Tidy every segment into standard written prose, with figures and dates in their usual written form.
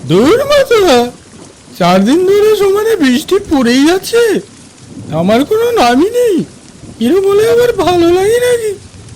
দূর মাথা, 4 দিন ধরে সমানে বৃষ্টি পড়েই যাচ্ছে, আমার কোনো নামই নেই। এরকম বলে আবার ভালো লাগে নাকি?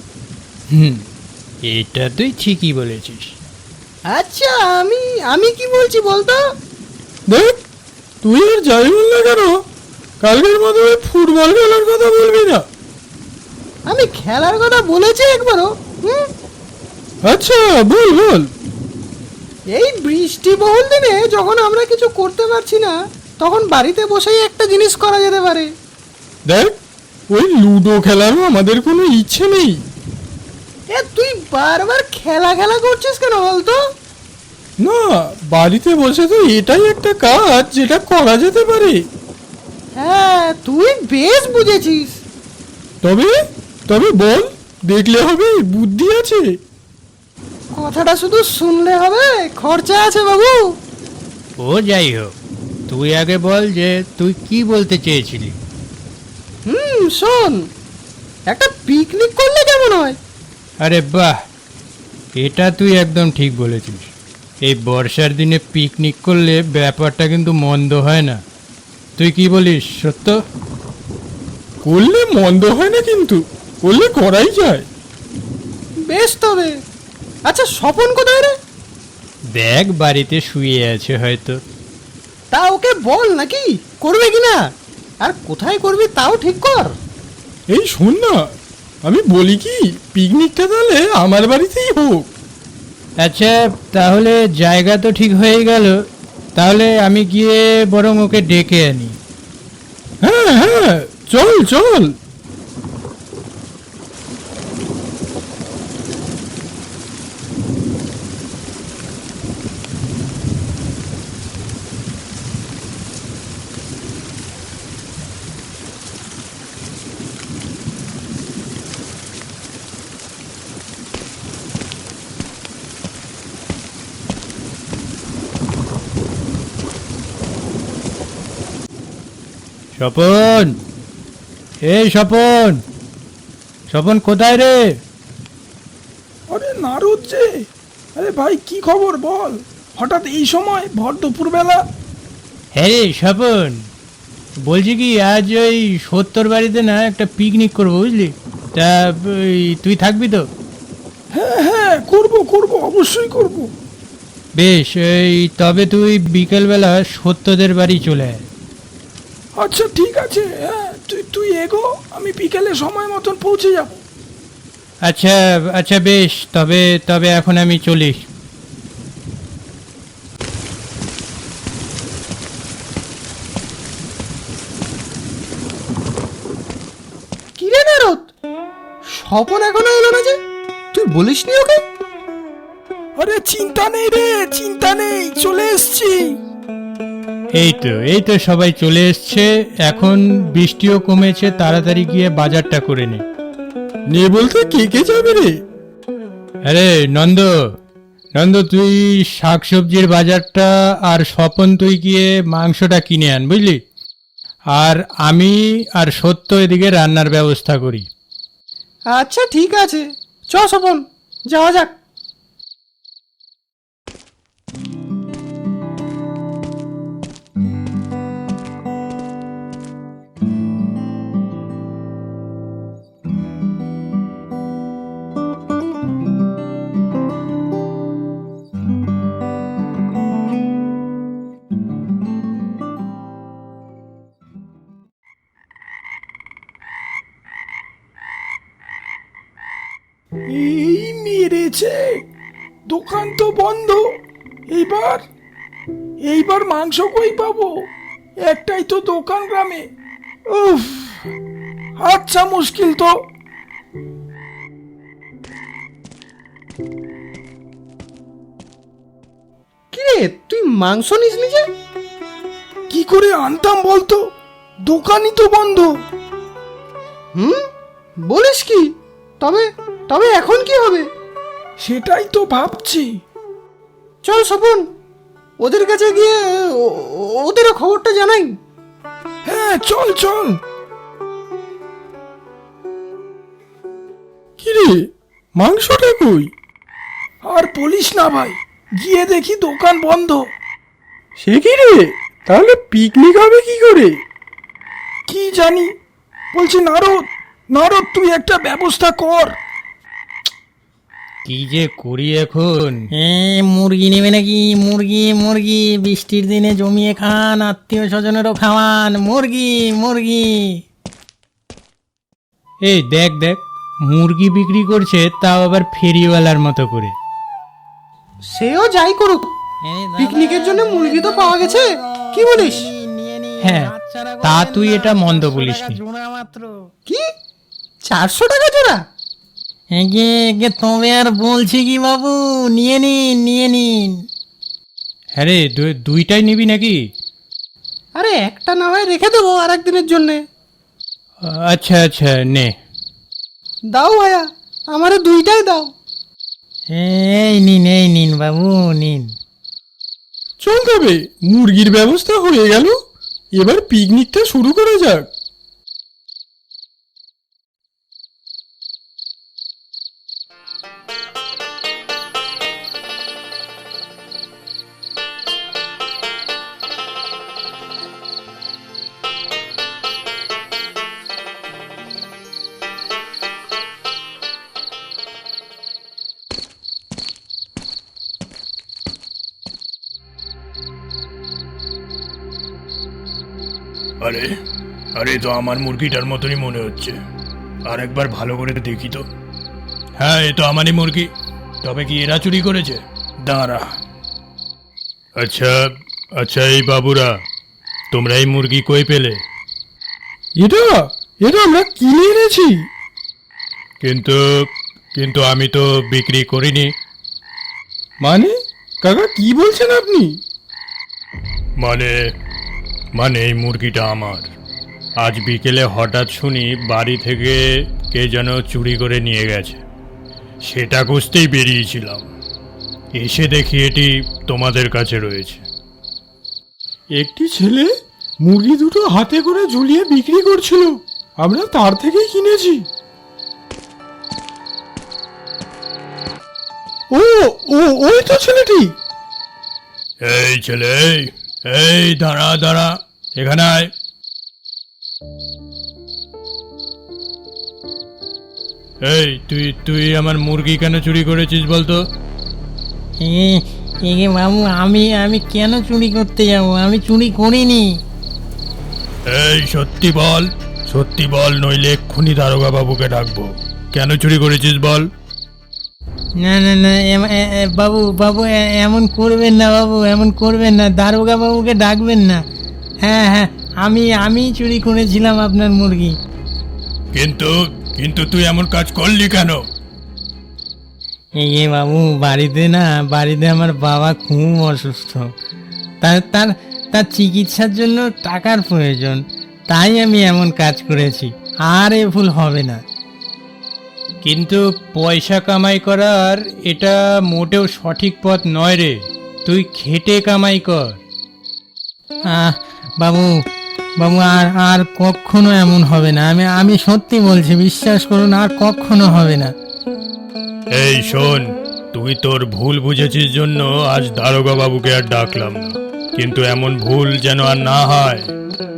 এটা তুই ঠিকই বলেছিস। আচ্ছা আমি আমি কি বলছি বলতো? দেখ, তুই আর যাই বল না কেন, কালকের মতো ওই ফুটবল খেলার কথা বলবি না। আমি খেলার কথা বলেছি একবারও? আচ্ছা বল বল। এই বৃষ্টি বহুল দিনে যখন আমরা কিছু করতে পারছি না, তখন বাড়িতে বসেই একটা জিনিস করা যেতে পারে। দেখ, ওই লুডো খেলারও আমাদের কোনো ইচ্ছে নেই। এ তুই বারবার খেলা খেলা করছিস কেন বলতো? না, বাড়িতে বসে তো এটাই একটা কাজ যেটা করা যেতে পারে। হ্যাঁ তুই বেশ বুঝেছিস। তবে তবে বল, দেখলে হবে, বুদ্ধি আছে। কথাটা শুধু শুনলে হবে, খরচা আছে বাবু। ও যাই হোক, তুই আগে বল যে তুই কি বলতে চেয়েছিলি। শোন, একটা পিকনিক করলে কেমন হয়? আরে বাহ, এটা তুই একদম ঠিক বলেছিস। এই বর্ষার দিনে পিকনিক করলে ব্যাপারটা কিন্তু মন্দ হয় না। তুই কি বলিস সত্য? করলে মন্দ হয় না, কিন্তু করলে করাই যায়। বেশ তবে। আচ্ছা স্বপন কোথায় রে? দেখ, বাড়িতে শুয়ে আছে হয়তো। তা ওকে বল নাকি করবে কিনা, আর কোথায় করবি তাও ঠিক কর। এই শোন না, আমি বলি কি, পিকনিকটা তাহলে আমার বাড়িতেই হোক। আচ্ছা, তাহলে জায়গা তো ঠিক হয়ে গেল। তাহলে আমি গিয়ে বরং ওকে ডেকে আনি। হ্যাঁ হ্যাঁ, চল চল। স্বপন, এই স্বপন, স্বপন কোথায় রে? আরে নারদ যে, আরে ভাই কি খবর বল, হঠাৎ এই সময় ভর দুপুরবেলা? হ্যাঁ রে স্বপন, বলছি কি, আজ ওই সত্তর বাড়িতে না একটা পিকনিক করবো বুঝলি। তা তুই থাকবি তো? হ্যাঁ হ্যাঁ, করবো করবো, অবশ্যই করব। বেশ, তবে তুই বিকেলবেলা সত্যদের বাড়ি চলে আয়। আচ্ছা ঠিক আছে, হ্যাঁ তুই তুই এগো, আমি বিকেলে সময় মতন পৌঁছে যাব। আচ্ছা আচ্ছা বেশ, তবে তবে এখন আমি চলি। কি রে নারদ, স্বপন এখনো এলো না যে? তুই বলিসনি ওকে? আরে চিন্তা নেই রে, চিন্তা নেই, চলে এসছি। এই তো সবাই চলে এসছে। এখন বৃষ্টিও কমেছে, তাড়াতাড়ি গিয়ে বাজারটা করে নে। নে বলতে কে কে যাবে রে? আরে নন্দ, নন্দ তুই শাকসবজির বাজারটা, আর স্বপন তুই গিয়ে মাংসটা কিনে আন বুঝলি। আর আমি আর সত্য এদিকে রান্নার ব্যবস্থা করি। আচ্ছা ঠিক আছে, চ স্বপন, যাওয়া যাক। এই মেরেছে, দোকান তো বন্ধ। এইবার এইবার মাংস কই পাবো? একটাই তো দোকান গ্রামে। উফ, আচ্ছা মুশকিল তো। কি রে, তুই মাংস নিসনি যে? কি করে আনতাম বলতো, দোকানই তো বন্ধ। বলিস কি? তবে তবে এখন কি হবে? সেটাই তো ভাবছি। চল স্বপন, ওদের কাছে গিয়ে ওদেরও খবরটা জানাই। হ্যাঁ চল চল। কিরে, মাংসটা কই? আর বলিস না ভাই, গিয়ে দেখি দোকান বন্ধ। সে কি রে, তাহলে পিকনিক হবে কি করে? কি জানি, বলছি নারদ, নারদ তুই একটা ব্যবস্থা কর। কি যে করি এখন? মুরগি নেবে নাকি? মুরগি মুরগি বৃষ্টির দিনে জমিয়ে খান, আত্মীয় স্বজনেরও খাওয়ান, মুরগি মুরগি। এই দেখ দেখ, মুরগি বিক্রি করছে, তাও আবার ফেরিওয়ালার মতো করে। সেও যাই করুক, পিকনিকের জন্য মুরগি তো পাওয়া গেছে, কি বলিস? হ্যাঁ, তা তুই এটা মন্দ বলিসনি। কি 400 টাকা জোড়া? তবে আর বলছি কি বাবু, নিয়ে নিন নিয়ে নিন। হ্যাঁ রে, দুইটাই নিবি নাকি? আরে একটা না হয় রেখে দেবো আর একদিনের জন্যে। আচ্ছা আচ্ছা, নে। দাও ভাইয়া, আমারে দুইটাই দাও। এই নিন বাবু নিন। চল তবে, মুরগির ব্যবস্থা হয়ে গেল, এবার পিকনিকটা শুরু করা যাক। আরে আরে, তো আমার মুরগিটার মতনই মনে হচ্ছে। আর একবার ভালো করে দেখি তো। হ্যাঁ, এ তো আমারই মুরগি। তবে কি এরা চুরি করেছে? দাঁড়া। আচ্ছা আচ্ছা, এই বাবুরা, তোমরা এই মুরগি কই পেলে? এটা এটা আমরা কিনে এনেছি। কিন্তু কিন্তু আমি তো বিক্রি করিনি। মানে কাকা, কি বলছেন আপনি? মানে মানে এই মুরগিটা আমার। আজ বিকেলে হঠাৎ শুনি বাড়ি থেকে কে যেন চুরি করে নিয়ে গেছে। সেটা খুঁজতেই বেরিয়েছিলাম, এসে দেখি এটি তোমাদের কাছে রয়েছে। একটি ছেলে মুরগি দুটো হাতে করে ঝুলিয়ে বিক্রি করছিল, আমরা তার থেকেই কিনেছি। ও ও ওই তো ছেলেটি। এই ছেলে, এই দাঁড়া দাঁড়া, এখানে আয়। এই তুই তুই আমার মুরগি কেন চুরি করেছিস বলতো? বাবু, আমি কেন চুরি করতে যাব? আমি চুরি করিনি। এই সত্যি বল, সত্যি বল, নইলে এক্ষুনি দারোগা বাবুকে ডাকবো। কেন চুরি করেছিস বল? না না না, বাবু বাবু এমন করবেন না বাবু, এমন করবেন না, দারোগা বাবুকে ডাকবেন না। হ্যাঁ হ্যাঁ, আমি চুরি করেছিলাম আপনার মুরগি। কিন্তু কিন্তু তুই এমন কাজ করলি কেন? বাবু, বাড়িতে আমার বাবা খুব অসুস্থ, তার চিকিৎসার জন্য টাকার প্রয়োজন, তাই আমি এমন কাজ করেছি, আর এ ভুল হবে না। কিন্তু পয়সা কামাই করার এটা মোটেও সঠিক পথ নয় রে। তুই খেটে কামাই কর। বাবু বাবু, আর কখনো এমন হবে না, আমি সত্যি বলছি, বিশ্বাস করুন, আর কখনো হবে না। এই শোন, তুই তোর ভুল বুঝেছিস জন্য আজ দারোগা বাবুকে আর ডাকলাম না, কিন্তু এমন ভুল যেন আর না হয়।